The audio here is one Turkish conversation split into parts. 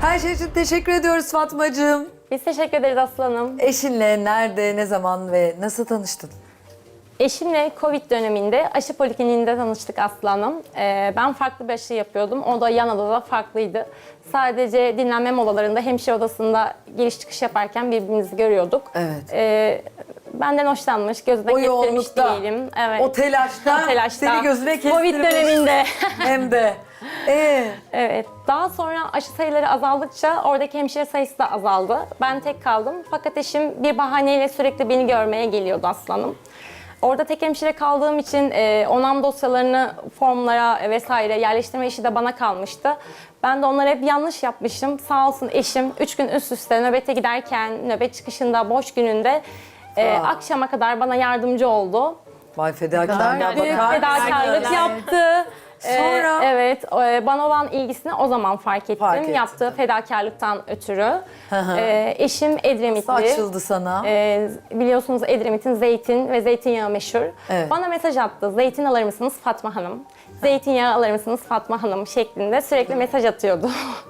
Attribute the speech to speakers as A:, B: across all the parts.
A: Her şey için teşekkür ediyoruz Fatmacığım.
B: Biz teşekkür ederiz aslanım.
A: Eşinle nerede, ne zaman ve nasıl tanıştın?
B: Eşimle Covid döneminde aşı polikliniğinde tanıştık aslanım. Ben farklı bir aşı yapıyordum. O da yan odada farklıydı. Sadece dinlenme molalarında hemşire odasında giriş çıkış yaparken birbirimizi görüyorduk.
A: Evet.
B: Benden hoşlanmış, gözüne
A: O
B: kestirmiş
A: yoğunlukta,
B: değilim. Evet.
A: o telaşta,
B: O telaşta.
A: seni gözüne kestirmiş.
B: Covid döneminde.
A: Hem de.
B: Evet. Daha sonra aşı sayıları azaldıkça oradaki hemşire sayısı da azaldı. Ben tek kaldım. Fakat eşim bir bahaneyle sürekli beni görmeye geliyordu aslanım. Orada tek hemşire kaldığım için onam dosyalarını formlara vesaire yerleştirme işi de bana kalmıştı. Ben de onlara hep yanlış yapmışım. Sağ olsun eşim 3 gün üst üste nöbete giderken, nöbet çıkışında, boş gününde akşama kadar bana yardımcı oldu.
A: Vay fedakarlığa
B: Büyük
A: bakar
B: fedakarlık
A: mısın?
B: yaptı.
A: Sonra?
B: Evet, bana olan ilgisini o zaman fark ettim.
A: Fark ettin.
B: Yaptığı fedakarlıktan ötürü.
A: hı.
B: Eşim Edremitli.
A: Açıldı sana.
B: Biliyorsunuz Edremit'in zeytin ve zeytinyağı meşhur.
A: Evet.
B: Bana mesaj attı. Zeytin alır mısınız Fatma Hanım? Zeytinyağı alır mısınız Fatma Hanım şeklinde sürekli mesaj atıyordu.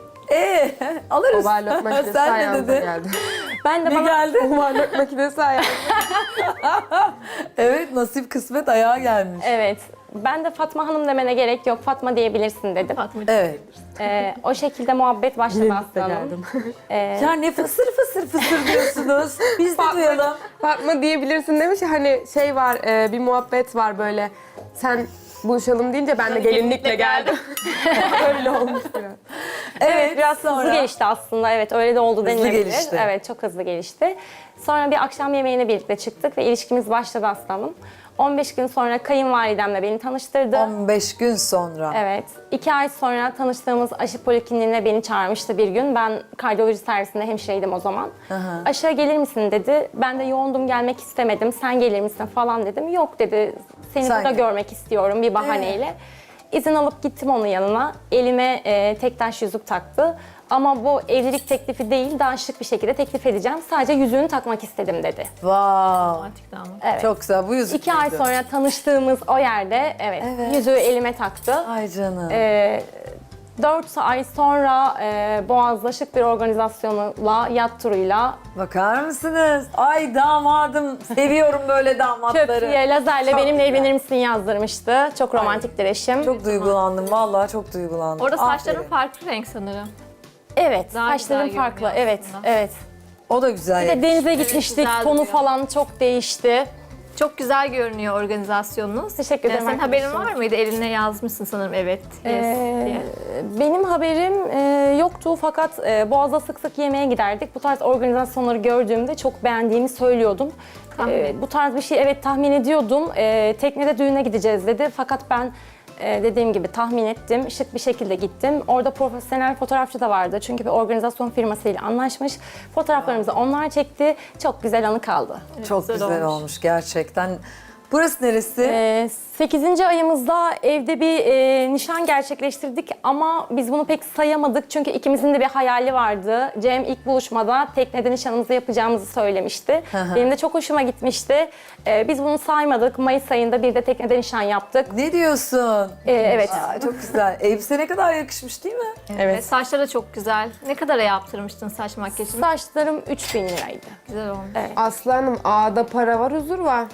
A: Alırız.
C: Overlock makinesi
A: Sen ne
C: ayağımıza
A: dedin?
C: geldi.
B: Ben de
A: Ne
B: bana
A: geldi?
C: Overlock makinesi ayağımıza.
A: Evet, nasip kısmet ayağa gelmiş.
B: evet. Ben de Fatma Hanım demene gerek yok. Fatma diyebilirsin dedim.
A: Evet.
B: O şekilde muhabbet başladı
C: Birlikte
B: aslanım.
C: geldim.
A: Ya ne fısır fısır fısır diyorsunuz. Biz de duyalım.
C: Fatma diyebilirsin demiş ya, hani şey var, bir muhabbet var böyle. Sen buluşalım deyince ben de gelinlikle geldim. Öyle olmuş biraz.
A: Evet,
B: Biraz
A: sonra.
B: hızlı gelişti aslında. Evet öyle de oldu
A: Hızlı
B: denilebilir.
A: gelişti.
B: Evet çok hızlı gelişti. Sonra bir akşam yemeğine birlikte çıktık ve ilişkimiz başladı aslanım. 15 gün sonra kayınvalidemle beni tanıştırdı.
A: 15 gün sonra.
B: Evet. 2 ay sonra tanıştığımız aşı polikliniğine beni çağırmıştı bir gün. Ben kardiyoloji servisinde hemşireydim o zaman. Aşıya gelir misin dedi. Ben de yoğundum, gelmek istemedim. Sen gelir misin falan dedim. Yok dedi. Seni
A: Sen
B: burada
A: gel.
B: görmek istiyorum bir bahaneyle. İzin alıp gittim onun yanına. Elime tek taş yüzük taktı. Ama bu evlilik teklifi değil, daha şık bir şekilde teklif edeceğim. Sadece yüzüğünü takmak istedim dedi.
A: Wow.
B: Evet.
A: Çok güzel. Bu yüzük
B: 2 ay
A: müydü?
B: sonra tanıştığımız o yerde yüzüğü elime taktı.
A: Ay canım.
B: 4 ay sonra Boğaz'da şık bir organizasyonla, yat turuyla
A: Bakar mısınız? Ay damadım. Seviyorum böyle damatları.
B: köprüye lazerle
A: Çok
B: benimle
A: güzel.
B: evlenir misin yazdırmıştı. Çok romantiktir eşim.
A: Çok duygulandım. Vallahi çok duygulandım.
D: Orada saçların
A: Aferin.
D: farklı renk sanırım.
B: Evet,
D: Daha
B: saçlarım
D: güzel
B: farklı.
D: görünüyor
B: Evet,
D: aslında.
B: evet.
A: O da güzel.
B: Bir de denize gitmiştik.
D: güzel
B: Tonu
D: duruyor.
B: falan çok değişti.
D: Çok güzel görünüyor organizasyonunuz.
B: Teşekkür ederim
D: Senin haberin
B: arkadaşım.
D: var mıydı? Eline yazmışsın sanırım evet. Yes diye.
B: Benim haberim yoktu fakat Boğaz'da sık sık yemeğe giderdik. Bu tarz organizasyonları gördüğümde çok beğendiğimi söylüyordum. Bu tarz bir şey evet tahmin ediyordum. Teknede düğüne gideceğiz dedi fakat ben dediğim gibi tahmin ettim. Şık bir şekilde gittim. Orada profesyonel fotoğrafçı da vardı. Çünkü bir organizasyon firmasıyla anlaşmış. Fotoğraflarımızı onlar çekti. Çok güzel anı kaldı.
A: Çok güzel olmuş gerçekten. Burası neresi?
B: 8. ayımızda evde bir nişan gerçekleştirdik ama biz bunu pek sayamadık çünkü ikimizin de bir hayali vardı. Cem ilk buluşmada teknede nişanımızı yapacağımızı söylemişti. Benim de çok hoşuma gitmişti. Biz bunu saymadık. Mayıs ayında bir de teknede nişan yaptık.
A: Ne diyorsun?
B: Evet.
A: Aa, çok güzel. Elbise ne kadar yakışmış değil mi?
B: Evet.
D: Saçları da çok güzel. Ne kadara yaptırmıştın saç makyajını?
B: Saçlarım 3.000 liraydı.
D: Güzel olmuş.
C: Aslanım, ağda para var, huzur var.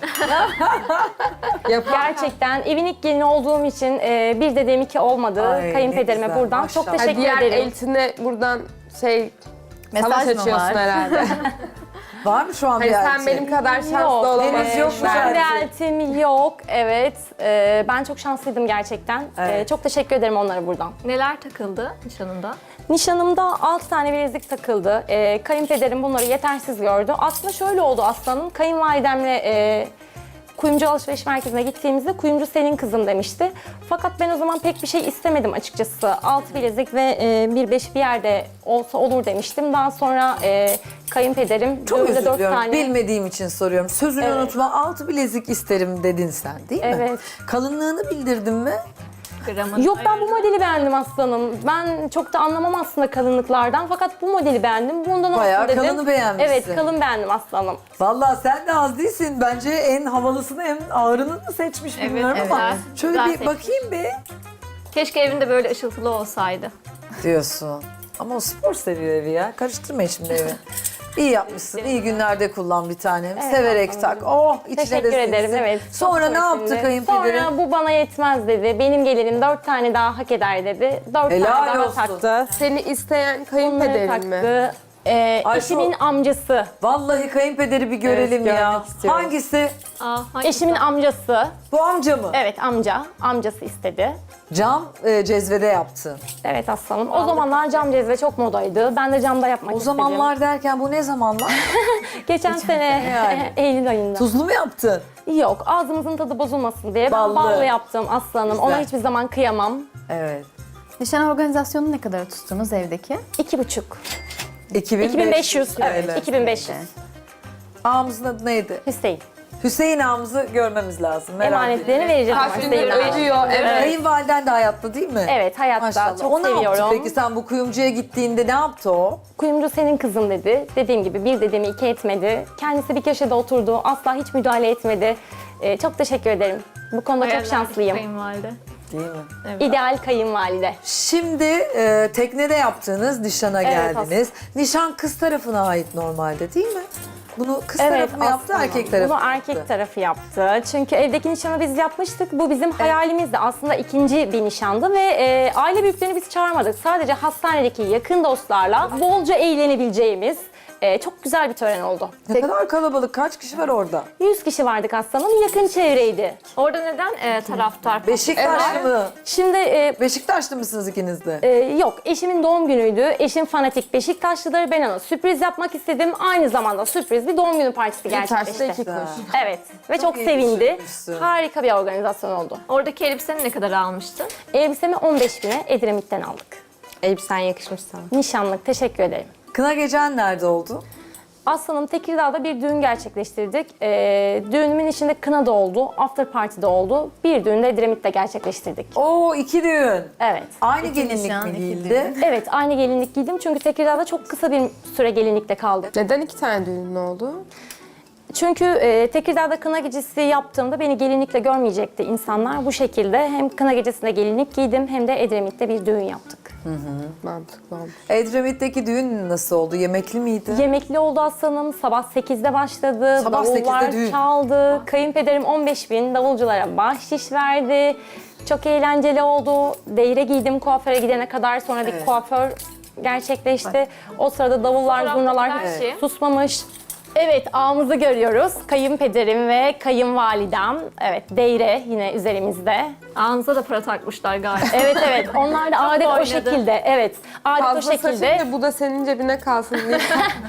C: Yapar.
B: Gerçekten evin ilk gelini olduğum için bir dediğim iki olmadı.
A: Ay, ne
B: Kayınpederime
A: güzel,
B: buradan
A: maşallah.
B: çok teşekkür
C: Diğer
B: ederim.
C: eltine buradan
E: Mesaj
C: savaş
E: mı
C: açıyorsun
E: var?
C: herhalde.
A: Var mı şu an
C: Hani
A: bir
C: sen
A: elçi?
C: benim kadar şanslı
B: Yok,
C: olamazsın.
A: henüz yok mu
B: Ben bir
A: elçi?
B: eltim yok, evet. Ben çok şanslıydım gerçekten.
A: Evet.
B: Çok teşekkür ederim onlara buradan.
D: Neler takıldı nişanında?
B: Nişanımda 6 tane bilezik takıldı. Kayınpederim bunları yetersiz gördü. Aslında şöyle oldu aslanım. Kayınvalidemle kuyumcu alışveriş merkezine gittiğimizde kuyumcu senin kızım demişti. Fakat ben o zaman pek bir şey istemedim açıkçası. 6 bilezik ve bir 5 bir yerde olsa olur demiştim. Daha sonra kayınpederim
A: Çok
B: düğünde
A: özür
B: 4
A: diliyorum.
B: tane...
A: Bilmediğim için soruyorum. Sözünü
B: Evet.
A: unutma. 6 bilezik isterim dedin sen değil mi?
B: Evet.
A: Kalınlığını bildirdin mi?
D: Gramını
B: Yok ben bu modeli beğendim aslanım. Ben çok da anlamam aslında kalınlıklardan fakat bu modeli beğendim. Bundan
A: Bayağı
B: olsun dedim.
A: kalını beğenmişsin.
B: Evet kalın beğendim aslanım.
A: Vallahi sen de az değilsin. Bence en havalısını en ağırını da seçmiş
D: Evet,
A: bilmiyorum ama.
D: evet.
A: Şöyle
D: Güzel
A: bir
D: seçmiş.
A: bakayım bir.
D: Keşke evinde böyle ışıltılı olsaydı.
A: Diyorsun. Ama o spor seviyor evi ya. Karıştırmayın şimdi evi. İyi yapmışsın. İyi günlerde kullan bir tanem. Severek tak. Oh içine
B: Teşekkür
A: de
B: ederim,
A: sinsin.
B: evet.
A: Sonra
B: Çok
A: ne yaptı
B: hoşumdu.
A: kayınpederin?
B: Sonra bu bana yetmez dedi. Benim gelinim 4 tane daha hak eder dedi. 4
A: Helal
B: tane daha
A: olsun.
B: taktı.
C: Seni isteyen
B: Bunları
C: kayınpederin mi?
B: taktı.
A: Ay,
B: Eşimin amcası.
A: Vallahi kayınpederi bir görelim
C: Evet,
A: ya.
C: görmek istiyorum.
A: Hangisi?
D: Hangisi?
B: Eşimin amcası.
A: Bu amca mı?
B: Evet amca. Amcası istedi.
A: Cam cezvede yaptı.
B: Evet aslanım. O zamanlar cam cezve çok modaydı. Ben de camda yapmak
A: O
B: istedim.
A: zamanlar derken bu ne zamanlar?
B: Geçen sene
A: yani.
B: Eylül ayında.
A: Tuzlu mu yaptın?
B: Yok ağzımızın tadı bozulmasın diye.
A: Ballı.
B: Ben ballı yaptım aslanım.
A: Güzel.
B: Ona hiçbir zaman kıyamam.
A: Evet.
E: Nişan organizasyonu ne kadar tuttunuz evdeki?
B: 2,5.
A: 2500.
B: 2500. Evet. 2500.
A: Ağamızın adı neydi?
B: Hüseyin.
A: Hüseyin ağamızı görmemiz lazım. Merak
B: Emanetlerini
A: ediyorum.
B: vereceğim ama
C: Kaç gündür
B: Hüseyin abi.
C: ödüyor. Evet.
A: Kayınvaliden de hayatta değil mi?
B: Evet hayatta.
A: Maşallah.
B: Çok
A: O ne yaptı
B: seviyorum.
A: peki? Sen bu kuyumcuya gittiğinde ne yaptı o?
B: Kuyumcu senin kızın dedi. Dediğim gibi bir dediğimi iki etmedi. Kendisi bir köşede oturdu. Asla hiç müdahale etmedi. Çok teşekkür ederim. Bu konuda çok
D: Hayaller
B: şanslıyım.
D: Kayınvalide.
A: Değil mi?
B: İdeal kayınvalide.
A: Şimdi teknede yaptığınız nişana
B: Evet,
A: geldiniz. Nişan kız tarafına ait normalde değil mi? Bunu kız
B: Evet,
A: tarafı mı yaptı,
B: aslında.
A: erkek tarafı mı
B: Bunu
A: yaptı?
B: erkek tarafı yaptı. Çünkü evdeki nişanı biz yapmıştık. Bu bizim hayalimizdi. Aslında ikinci bir nişandı ve aile büyüklerini biz çağırmadık. Sadece hastanedeki yakın dostlarla bolca eğlenebileceğimiz çok güzel bir tören oldu.
A: Ne kadar kalabalık, kaç kişi var orada?
B: 100 kişi vardık aslanım. Yakın çevreydi.
D: Orada neden taraftar?
A: Beşiktaşlı mı?
B: Şimdi
A: Beşiktaşlı mısınız ikiniz de?
B: yok, eşimin doğum günüydü. Eşim fanatik Beşiktaşlıdır. Ben ona sürpriz yapmak istedim. Aynı zamanda sürpriz bir doğum günü partisi
C: Taşta
B: gerçekleşti.
C: iki kuş.
B: Evet ve çok
A: iyi
B: sevindi.
A: düşünmüşsün.
B: Harika bir organizasyon oldu.
D: Oradaki elbiseni ne kadar almıştın?
B: Elbisemi 15.000'e Edremit'ten aldık.
C: Elbisen yakışmış sana.
B: Nişanlık, teşekkür ederim.
A: Kına gecen nerede oldu?
B: Aslanım Tekirdağ'da bir düğün gerçekleştirdik. Düğünümün içinde kına da oldu, after party de oldu. Bir düğün de Edremit'te gerçekleştirdik.
A: Oo, 2 düğün.
B: Evet.
A: Aynı
E: İki
A: gelinlik
E: nişan,
A: mi
E: iki
A: giyildi?
B: Evet, aynı gelinlik giydim çünkü Tekirdağ'da çok kısa bir süre gelinlikle kaldık.
C: Neden iki tane düğünün oldu?
B: Çünkü Tekirdağ'da kına gecesi yaptığımda beni gelinlikle görmeyecekti insanlar. Bu şekilde hem kına gecesinde gelinlik giydim hem de Edremit'te bir düğün yaptık.
C: Mantıklı olmuş.
A: Edremit'teki düğün nasıl oldu? Yemekli miydi?
B: Yemekli oldu aslanım. Sabah 8'de başladı.
A: Sabah
B: Davullar
A: 8'de düğün.
B: çaldı. Kayınpederim 15.000 davulculara bahşiş verdi. Çok eğlenceli oldu. Deyre giydim kuaföre gidene kadar. Sonra bir kuaför gerçekleşti. O sırada davullar,
D: Fotoğraftaki
B: zurnalar
D: her şey.
B: susmamış. Evet, ağımızı görüyoruz. Kayınpederim ve kayınvalidem. Evet, deyre yine üzerimizde.
D: Ağınıza da para takmışlar galiba.
B: Evet, evet. Onlar da adet o
D: oynadı.
B: şekilde. Evet, adet o
C: Fazla saçın
B: şekilde.
C: da bu da senin cebine kalsın diye.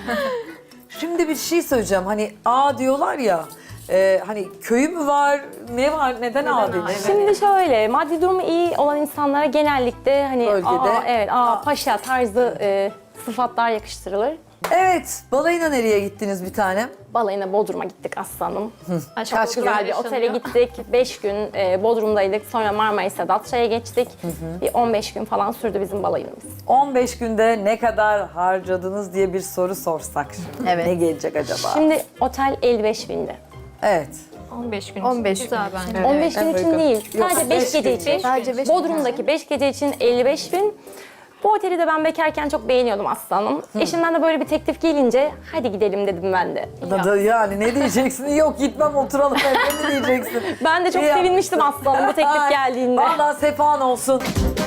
A: Şimdi bir şey söyleyeceğim. Hani A diyorlar ya. Hani köyü mü var? Ne var? Neden A denir?
B: Şimdi şöyle, maddi durumu iyi olan insanlara genellikle hani
A: Bölgede.
B: evet, paşa tarzı sıfatlar yakıştırılır.
A: Evet. Balayına nereye gittiniz bir tanem?
B: Balayına Bodrum'a gittik aslanım.
D: Kaç
B: Çok güzel bir otele gittik. 5 gün Bodrum'daydık. Sonra Marmaris'e Datça'ya geçtik. Bir 15 gün falan sürdü bizim balayımız.
A: 15 günde ne kadar harcadınız diye bir soru sorsak şimdi.
E: Evet.
A: Ne gelecek acaba?
B: Şimdi otel 55.000'di.
A: evet.
D: 15 gün.
E: 15
D: Güzel bence.
B: 15 gün için
C: uygun.
B: değil.
A: Yok,
B: Sadece
A: beş
B: 5 gece
A: gün.
B: için.
E: Sadece 5
B: Bodrum'daki 5 gece için 55.000. Bu oteli de ben bekarken çok beğeniyordum aslanım. Eşimden de böyle bir teklif gelince hadi gidelim dedim ben de.
A: Yani ne diyeceksin? Yok gitmem oturalım evde mi diyeceksin?
B: Ben de çok
A: İyi
B: sevinmiştim
A: yapmışsın.
B: aslanım bu teklif
A: Ay,
B: geldiğinde.
A: Vallahi sefan olsun.